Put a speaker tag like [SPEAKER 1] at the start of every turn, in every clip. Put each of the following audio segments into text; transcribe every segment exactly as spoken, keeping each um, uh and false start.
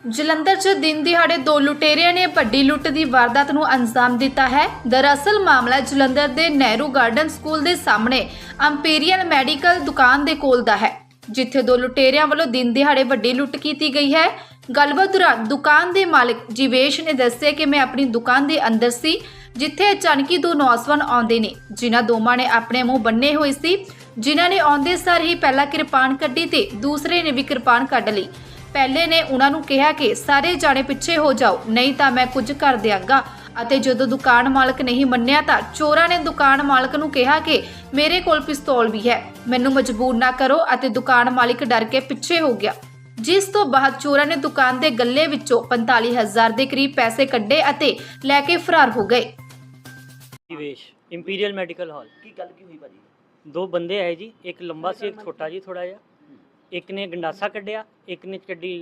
[SPEAKER 1] ਜਲੰਧਰ 'ਚ ਦਿਨ ਦਿਹਾੜੇ ਦੋ ਲੁਟੇਰਿਆਂ ਨੇ ਵੱਡੀ ਲੁੱਟ ਦੀ ਵਾਰਦਾਤ ਨੂੰ ਅੰਜਾਮ ਦਿੱਤਾ ਹੈ। ਦਰਅਸਲ ਮਾਮਲਾ ਜਲੰਧਰ ਦੇ ਨਹਿਰੂ ਗਾਰਡਨ ਸਕੂਲ ਦੇ ਸਾਹਮਣੇ ਅੰਪੀਰੀਅਲ ਮੈਡੀਕਲ ਦੁਕਾਨ ਦੇ ਕੋਲ ਦਾ ਹੈ, ਜਿੱਥੇ ਦੋ ਲੁਟੇਰਿਆਂ ਵੱਲੋਂ ਦਿਨ ਦਿਹਾੜੇ ਵੱਡੀ ਲੁੱਟ ਕੀਤੀ ਗਈ ਹੈ। ਗੱਲਬਾਤ ਦੌਰਾਨ ਦੁਕਾਨ ਦੇ ਮਾਲਕ ਜੀਵੇਸ਼ ਨੇ ਦੱਸਿਆ ਕਿ ਮੈਂ ਆਪਣੀ ਦੁਕਾਨ ਦੇ ਅੰਦਰ ਸੀ, ਜਿੱਥੇ ਅਚਾਨਕੀ ਦੋ ਨੌਜਵਾਨ ਆਉਂਦੇ ਨੇ, ਜਿਨ੍ਹਾਂ ਦੋਵਾਂ ਨੇ ਆਪਣੇ ਮੂੰਹ ਬੰਨੇ ਹੋਏ ਸੀ, ਜਿਨ੍ਹਾਂ ਨੇ ਆਉਂਦੇ ਸਾਰ ਹੀ ਪਹਿਲਾਂ ਕਿਰਪਾਨ ਕੱਢੀ ਤੇ ਦੂਸਰੇ ਨੇ ਵੀ ਕਿਰਪਾਨ ਕੱਢ ਲਈ। ਪਹਿਲੇ ਨੇ ਉਹਨਾਂ ਨੂੰ ਕਿਹਾ ਕਿ ਸਾਰੇ ਜਾਣੇ ਪਿੱਛੇ ਹੋ ਜਾਓ, ਨਹੀਂ ਤਾਂ ਮੈਂ ਕੁਝ ਕਰ ਦਿਆਂਗਾ। ਅਤੇ ਜਦੋਂ ਦੁਕਾਨ ਮਾਲਕ ਨਹੀਂ ਮੰਨਿਆ ਤਾਂ ਚੋਰਾਂ ਨੇ ਦੁਕਾਨ ਮਾਲਕ ਨੂੰ ਕਿਹਾ ਕਿ ਮੇਰੇ ਕੋਲ ਪਿਸਤੌਲ ਵੀ ਹੈ, ਮੈਨੂੰ ਮਜਬੂਰ ਨਾ ਕਰੋ, ਅਤੇ ਦੁਕਾਨ ਮਾਲਕ ਡਰ ਕੇ ਪਿੱਛੇ ਹੋ ਗਿਆ। ਜਿਸ ਤੋਂ ਬਾਅਦ ਚੋਰਾਂ ਨੇ ਦੁਕਾਨ ਦੇ ਗੱਲੇ ਵਿੱਚੋਂ ਪੰਤਾਲੀ ਹਜ਼ਾਰ ਦੇ ਕਰੀਬ ਪੈਸੇ ਕੱਢੇ ਅਤੇ ਲੈ ਕੇ ਫਰਾਰ ਹੋ ਗਏ।
[SPEAKER 2] निवेश इंपीरियल मेडिकल हॉल
[SPEAKER 3] की गल की हुई भाजी?
[SPEAKER 2] दो बंदे है जी, एक लंबा सी एक छोटा जी थोड़ा जिहा, एक ने गंडासा कढ़िया, एक ने कड्डी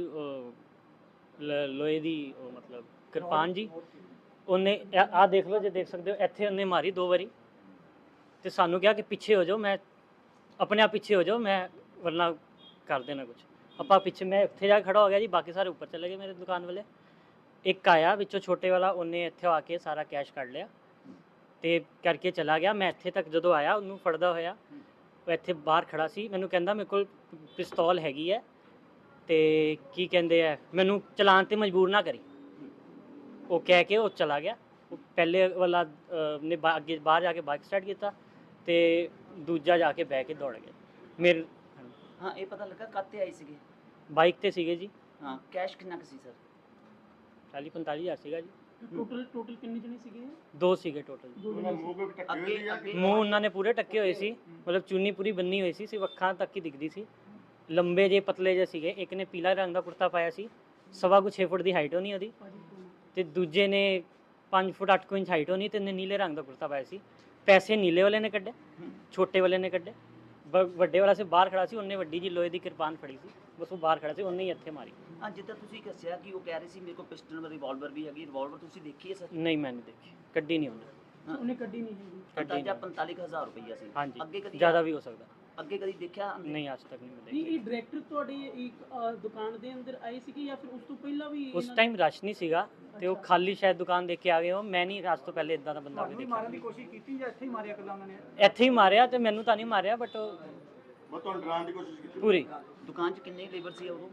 [SPEAKER 2] लोहे दी मतलब किरपान जी। उन्हें आ देख लो जे देख सकते हो, इत्थे उन्हें मारी दो बारी ते सानू कहा कि पीछे हो जाओ, मैं अपने आप पीछे हो जाओ, मैं वरना कर देना कुछ। अपा पीछे मैं इत्थे जाके खड़ा हो गया जी, बाकी सारे ऊपर चले गए मेरे दुकान वाले। एक आया विचों छोटे वाला, उन्हें इत्थे आके सारा कैश कढ़ लिया ਤੇ ਕਰਕੇ ਚਲਾ ਗਿਆ। ਮੈਂ ਇੱਥੇ ਤੱਕ ਜਦੋਂ ਆਇਆ ਉਹਨੂੰ ਫੜਦਾ ਹੋਇਆ, ਉਹ ਇੱਥੇ ਬਾਹਰ ਖੜਾ ਸੀ, ਮੈਨੂੰ ਕਹਿੰਦਾ ਮੇਰੇ ਕੋਲ ਪਿਸਤੌਲ ਹੈਗੀ ਹੈ ਤੇ ਕੀ ਕਹਿੰਦੇ ਆ ਮੈਨੂੰ ਚਲਾਉਣ ਤੇ ਮਜਬੂਰ ਨਾ ਕਰੀ। ਉਹ ਕਹਿ ਕੇ ਉਹ ਚਲਾ ਗਿਆ। ਉਹ ਪਹਿਲੇ ਵਾਲਾ ਨੇ ਅੱਗੇ ਬਾਹਰ ਜਾ ਕੇ ਬਾਈਕ ਸਟਾਰਟ ਕੀਤਾ ਤੇ ਦੂਜਾ ਜਾ ਕੇ ਬਹਿ ਕੇ ਦੌੜ ਗਿਆ। ਮੇਰੇ
[SPEAKER 3] ਹਾਂ ਇਹ ਪਤਾ ਲੱਗਾ ਕਾਤੇ ਆਏ ਸੀਗੇ?
[SPEAKER 2] ਬਾਈਕ ਤੇ ਸੀਗੇ ਜੀ।
[SPEAKER 3] ਹਾਂ ਕੈਸ਼ ਕਿੰਨਾ ਕੁ ਸੀ ਸਰ?
[SPEAKER 2] ਚਾਲੀ ਪੰਤਾਲੀ ਹਜ਼ਾਰ ਸੀਗਾ ਜੀ।
[SPEAKER 4] ਟੋਟਲ ਟੋਟਲ ਕਿੰਨੇ ਜਣੇ ਸੀਗੇ?
[SPEAKER 2] ਦੋ ਸੀਗੇ ਟੋਟਲ।
[SPEAKER 3] ਅੱਗੇ ਅੱਗੇ
[SPEAKER 2] ਮੂੰਹ ਉਹਨਾਂ ਨੇ ਪੂਰੇ ਟੱਕੇ ਹੋਏ ਸੀ, ਮਤਲਬ ਚੁੰਨੀ ਪੂਰੀ ਬੰਨੀ ਹੋਈ ਸੀ, ਸਿਰਫ ਅੱਖਾਂ ਤੱਕ ਹੀ ਦਿਖਦੀ ਸੀ। ਲੰਬੇ ਜੇ ਪਤਲੇ ਜੇ ਸੀਗੇ। ਇੱਕ ਨੇ ਪੀਲਾ ਰੰਗ ਦਾ ਕੁੜਤਾ ਪਾਇਆ ਸੀ, ਸਵਾ ਕੁ ਛੇ ਫੁੱਟ ਦੀ ਹਾਈਟ ਹੋਣੀ ਉਹਦੀ, ਤੇ ਦੂਜੇ ਨੇ ਪੰਜ ਫੁੱਟ ਅੱਠ ਕੁ ਇੰਚ ਹਾਈਟ ਹੋਣੀ, ਤੇ ਨੇ ਨੀਲੇ ਰੰਗ ਦਾ ਕੁੜਤਾ ਪਾਇਆ ਸੀ। ਪੈਸੇ ਨੀਲੇ ਵਾਲੇ ਨੇ ਕੱਢੇ, ਛੋਟੇ ਵਾਲੇ ਨੇ ਕੱਢੇ। ਵੱਡੇ ਵਾਲਾ ਸੀ ਬਾਹਰ ਖੜਾ ਸੀ, ਉਹਨੇ ਵੱਡੀ ਜੀ ਲੋਹੇ ਦੀ ਕਿਰਪਾਨ ਫੜੀ ਸੀ, ਬਸ ਉਹ ਬਾਹਰ ਖੜਾ ਸੀ, ਉਹਨੇ ਹੀ ਇੱਥੇ ਮਾਰੀ।
[SPEAKER 3] ਹਾਂ ਜਿੱਦਾਂ ਤੁਸੀਂ ਦੱਸਿਆ ਕਿ ਉਹ ਕਹਿ ਰਹੇ ਸੀ ਮੇਰੇ ਕੋਲ ਪਿਸਟਲ ਰਿਵਾਲਵਰ ਵੀ ਹੈਗੀ, ਰਿਵਾਲਵਰ ਤੁਸੀਂ ਦੇਖੀ ਹੈ ਸਰ?
[SPEAKER 2] ਨਹੀਂ ਮੈਂ ਨਹੀਂ ਦੇਖੀ, ਕੱਢੀ ਨਹੀਂ ਉਹਨੇ।
[SPEAKER 4] ਉਹਨੇ ਕੱਢੀ ਨਹੀਂ ਹੈਗੀ।
[SPEAKER 3] ਅੰਦਾਜ਼ਾ ਪੰਤਾਲੀ ਹਜ਼ਾਰ ਰੁਪਈਆ ਸੀ।
[SPEAKER 2] ਹਾਂਜੀ,
[SPEAKER 3] ਅੱਗੇ ਕਦੀ
[SPEAKER 2] ਜ਼ਿਆਦਾ ਵੀ ਹੋ ਸਕਦਾ।
[SPEAKER 3] ਅੱਗੇ ਕਦੀ ਦੇਖਿਆ
[SPEAKER 2] ਨਹੀਂ ਅੱਜ ਤੱਕ ਨਹੀਂ ਮੈਂ
[SPEAKER 4] ਨਹੀਂ
[SPEAKER 2] ਦੇਖੀ।
[SPEAKER 4] ਇਹ ਡਾਇਰੈਕਟਰ ਤੁਹਾਡੇ ਇੱਕ ਅ, ਦੁਕਾਨ ਦੇ ਅੰਦਰ ਆਏ ਸੀਗੇ ਜਾਂ ਫਿਰ ਉਸ ਤੋਂ ਪਹਿਲਾਂ ਵੀ?
[SPEAKER 2] ਉਸ ਟਾਈਮ ਰਸ਼ ਨਹੀਂ ਸੀਗਾ ਤੇ ਉਹ ਖਾਲੀ ਸ਼ਾਇਦ ਦੁਕਾਨ ਦੇਖ ਕੇ ਆ ਗਏ ਹੋ। ਮੈਂ ਨਹੀਂ ਅੱਜ ਤੋਂ ਪਹਿਲੇ ਇਦਾਂ ਦਾ ਬੰਦਾ ਕੋਈ ਦੇਖਿਆ।
[SPEAKER 4] ਮਾਰਨ ਦੀ ਕੋਸ਼ਿਸ਼ ਕੀਤੀ ਜਾਂ ਇੱਥੇ ਹੀ ਮਾਰਿਆ ਕਦਾਂ ਉਹਨਾਂ ਨੇ?
[SPEAKER 2] ਇੱਥੇ ਹੀ ਮਾਰਿਆ ਤੇ ਮੈਨੂੰ ਤਾਂ ਨਹੀਂ ਮਾਰਿਆ, ਬਟ
[SPEAKER 5] ਮੈਂ ਤੁਹਾਨੂੰ ਡਰਾਉਣ ਦੀ ਕੋਸ਼ਿਸ਼ ਕੀਤੀ।
[SPEAKER 2] ਪੂਰੀ
[SPEAKER 3] ਦੁਕਾਨ 'ਚ ਕਿੰਨੇ ਲੇਬਰ ਸੀ ਉਦੋਂ?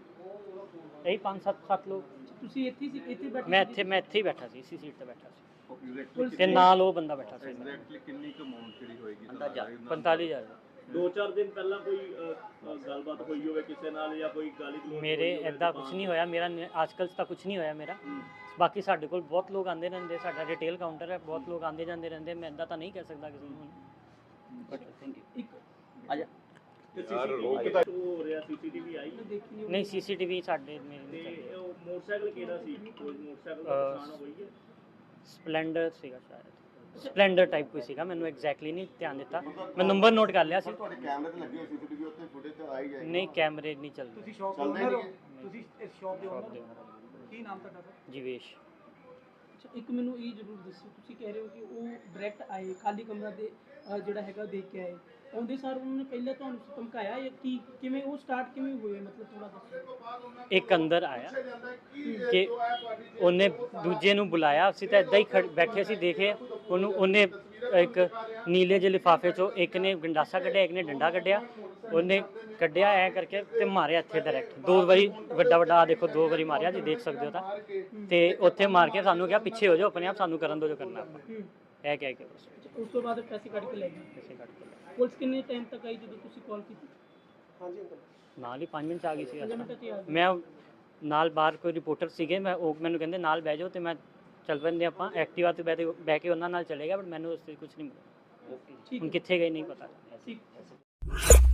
[SPEAKER 2] ਇਹੀ ਪੰਜ ਸੱਤ ਸੱਤ ਲੋਕ।
[SPEAKER 4] ਤੁਸੀਂ ਇੱਥੇ ਸੀ? ਇੱਥੇ ਬੈਠੇ
[SPEAKER 2] ਮੈਂ
[SPEAKER 4] ਸੀ?
[SPEAKER 2] ਇੱਥੇ ਮੈਂ ਇੱਥੇ ਹੀ ਬੈਠਾ ਸੀ, ਇਸੇ ਸੀਟ ਤੇ ਬੈਠਾ ਸੀ,
[SPEAKER 5] ਐਗਜ਼ੈਕਟਲੀ
[SPEAKER 2] ਤੇ ਨਾਲ ਉਹ ਬੰਦਾ ਬੈਠਾ ਸੀ।
[SPEAKER 5] ਐਗਜ਼ੈਕਟਲੀ ਕਿੰਨੀ ਕੁ ਅਮਾਉਂਟ ਜਿਹੜੀ ਹੋਏਗੀ
[SPEAKER 3] ਅੰਦਾਜ਼ਾ?
[SPEAKER 2] ਪੰਤਾਲੀ ਹਜ਼ਾਰ।
[SPEAKER 6] ਦੋ ਚਾਰ ਦਿਨ ਪਹਿਲਾਂ ਕੋਈ ਅ, ਅ, ਗੱਲਬਾਤ ਹੋਈ ਹੋਵੇ ਕਿਸੇ ਨਾਲ ਜਾਂ ਕੋਈ ਗਾਲੀ ਗਲੋਚ
[SPEAKER 2] ਮੇਰੇ ਇਦਾਂ ਕੁਝ ਨਹੀਂ ਹੋਇਆ, ਮੇਰਾ ਅੱਜਕੱਲ ਤਾਂ ਕੁਝ ਨਹੀਂ ਹੋਇਆ ਮੇਰਾ। ਬਾਕੀ ਸਾਡੇ ਕੋਲ ਬਹੁਤ ਲੋਕ ਆਉਂਦੇ ਰਹਿੰਦੇ, ਸਾਡਾ ਰਿਟੇਲ ਕਾਊਂਟਰ ਹੈ, ਬਹੁਤ ਲੋਕ ਆਉਂਦੇ ਜਾਂਦੇ ਰਹਿੰਦੇ। ਮੈਂ ਇਦਾਂ ਤਾਂ ਨਹੀਂ ਕਹਿ ਸਕਦਾ ਕਿਸੇ ਨੂੰ।
[SPEAKER 3] But thank you.
[SPEAKER 4] ਇੱਕ
[SPEAKER 3] ਆਜਾ
[SPEAKER 5] ਯਾਰ ਰੋਕ
[SPEAKER 6] ਸੀਸੀਟੀਵੀ ਹੋ ਰਿਹਾ, ਸੀਸੀਟੀਵੀ ਆਈ
[SPEAKER 4] ਮੈਂ ਦੇਖੀ ਨਹੀਂ।
[SPEAKER 2] ਨਹੀਂ ਸੀਸੀਟੀਵੀ ਸਾਡੇ ਮੇਰੇ ਨਹੀਂ
[SPEAKER 6] ਤੇ
[SPEAKER 2] ਚੱਲਦੇ।
[SPEAKER 6] ਉਹ ਮੋਟਰਸਾਈਕਲ ਕਿਹੜਾ ਸੀ? ਕੋਈ ਮੋਟਰਸਾਈਕਲ ਦਾ
[SPEAKER 2] ਅ,
[SPEAKER 6] ਨੁਕਸਾਨ ਹੋਈ ਹੈ?
[SPEAKER 2] ਸਪਲੈਂਡਰ ਸੀਗਾ ਸ਼ਾਇਦ, ਸਪਲੈਂਡਰ ਟਾਈਪ ਕੋਈ ਸੀਗਾ, ਮੈਨੂੰ ਐਗਜ਼ੈਕਟਲੀ ਨਹੀਂ ਧਿਆਨ ਦਿੱਤਾ। ਮੈਂ ਨੰਬਰ ਨੋਟ ਕਰ ਲਿਆ ਸੀ।
[SPEAKER 5] ਤੁਹਾਡੇ ਕੈਮਰੇ ਤੇ ਲੱਗੇ ਹੋਏ ਸੀਸੀਟੀਵੀ ਉੱਤੇ ਫੁਟੇਜ ਤੇ ਆਈ ਜਾਏਗੀ।
[SPEAKER 2] ਨਹੀਂ ਕੈਮਰੇ ਨਹੀਂ ਚੱਲਦੇ।
[SPEAKER 4] ਤੁਸੀਂ ਸ਼ੌਪ ਦੇ
[SPEAKER 5] ਚੱਲਦੇ
[SPEAKER 4] ਓਨਰ ਹੋ?
[SPEAKER 5] ਨਹੀਂ।
[SPEAKER 4] ਤੁਸੀਂ ਇਸ ਸ਼ੌਪ ਦੇ
[SPEAKER 2] ਸ਼ੌਪ
[SPEAKER 4] ਓਨਰ
[SPEAKER 2] ਦੇ
[SPEAKER 4] ਹੋ? ਕੀ ਨਾਮ ਤੁਹਾਡਾ ਸਰ?
[SPEAKER 2] ਜੀਵੇਸ਼।
[SPEAKER 4] ਅੱਛਾ ਇੱਕ ਮੈਨੂੰ ਇਹ ਜ਼ਰੂਰ ਦੱਸੋ, ਤੁਸੀਂ ਕਹਿ ਰਹੇ ਹੋ ਕਿ ਉਹ ਡਾਇਰੈਕਟ ਆਏ, ਖਾਲੀ ਕਮਰਾ ਦੇ ਅ, ਜਿਹੜਾ ਹੈਗਾ ਦੇਖ ਕੇ ਆਏ, ਆਉਂਦੇ ਸਾਰ ਉਹਨਾਂ ਨੇ ਪਹਿਲਾਂ ਤੁਹਾਨੂੰ ਧਮਕਾਇਆ ਜਾਂ ਕੀ ਕਿਵੇਂ ਉਹ ਸਟਾਰਟ ਕਿਵੇਂ ਹੋਏ, ਮਤਲਬ ਥੋੜਾ ਦੱਸੋ।
[SPEAKER 2] ਇੱਕ ਅੰਦਰ ਆਇਆ ਕਿ ਉਹਨੇ ਦੂਜੇ ਨੂੰ ਬੁਲਾਇਆ, ਅਸੀਂ ਤਾਂ ਇਦਾਂ ਹੀ ਖੜ ਬੈਠੇ ਸੀ ਦੇਖੇ ਉਹਨੂੰ। ਉਹਨੇ ਇੱਕ ਨੀਲੇ ਜਿਹੇ ਲਿਫਾਫੇ 'ਚੋਂ ਇੱਕ ਨੇ ਗੰਡਾਸਾ ਕੱਢਿਆ, ਇੱਕ ਨੇ ਡੰਡਾ ਕੱਢਿਆ, ਉਹਨੇ ਕੱਢਿਆ ਐ ਕਰਕੇ ਤੇ ਮਾਰਿਆ ਇੱਥੇ ਡਾਇਰੈਕਟ ਦੋ ਵਾਰੀ, ਵੱਡਾ ਵੱਡਾ ਆ ਦੇਖੋ ਦੋ ਵਾਰੀ ਮਾਰਿਆ ਜੀ, ਦੇਖ ਸਕਦੇ ਹੋ ਤਾਂ। ਤੇ ਉੱਥੇ ਮਾਰ ਕੇ ਸਾਨੂੰ ਕਿਹਾ ਪਿੱਛੇ ਹੋ ਜਾਓ, ਆਪਣੇ ਆਪ ਸਾਨੂੰ ਕਰਨ ਦਿਓ ਜੋ ਕਰਨਾ ਆਪਾਂ, ਇਹ ਕਹਿ ਕੇ ਬਸ
[SPEAKER 4] ਉਸ ਤੋਂ ਬਾਅਦ ਪੈਸੇ ਕੱਢ ਕੇ ਲੈ ਗਏ।
[SPEAKER 2] ਪੈਸੇ ਕੱਢ ਕੇ ਲੈ।
[SPEAKER 4] ਪੁਲਿਸ ਕਿੰਨੇ ਟਾਈਮ ਤੱਕ ਆਈ ਜਦੋਂ ਤੁਸੀਂ ਕਾਲ ਕੀਤੀ? ਹਾਂਜੀ ਅੰਕਲ
[SPEAKER 2] ਨਾਲ ਹੀ ਪੰਜ ਮਿੰਟ 'ਚ ਆ ਗਈ ਸੀ।
[SPEAKER 4] ਪੰਜ ਮਿੰਟ 'ਚ ਹੀ ਆ ਗਏ।
[SPEAKER 2] ਮੈਂ ਨਾਲ ਬਾਹਰ ਕੋਈ ਰਿਪੋਰਟਰ ਸੀਗੇ, ਮੈਂ ਉਹ ਮੈਨੂੰ ਕਹਿੰਦੇ ਨਾਲ ਬਹਿ ਜਾਓ, ਤੇ ਮੈਂ ਚੱਲ ਪੈਂਦੇ ਆਪਾਂ ਐਕਟਿਵਾ ਤੇ ਬਹਿ ਬਹਿ ਕੇ ਉਹਨਾਂ ਨਾਲ ਚਲੇ ਗਿਆ, ਬਟ ਮੈਨੂੰ ਉਸ ਤੇ ਕੁਝ ਨਹੀਂ ਮਿਲਿਆ।
[SPEAKER 4] ਠੀਕ
[SPEAKER 2] ਹੁਣ ਕਿੱਥੇ ਗਏ ਨਹੀਂ ਪਤਾ।
[SPEAKER 4] ਠੀਕ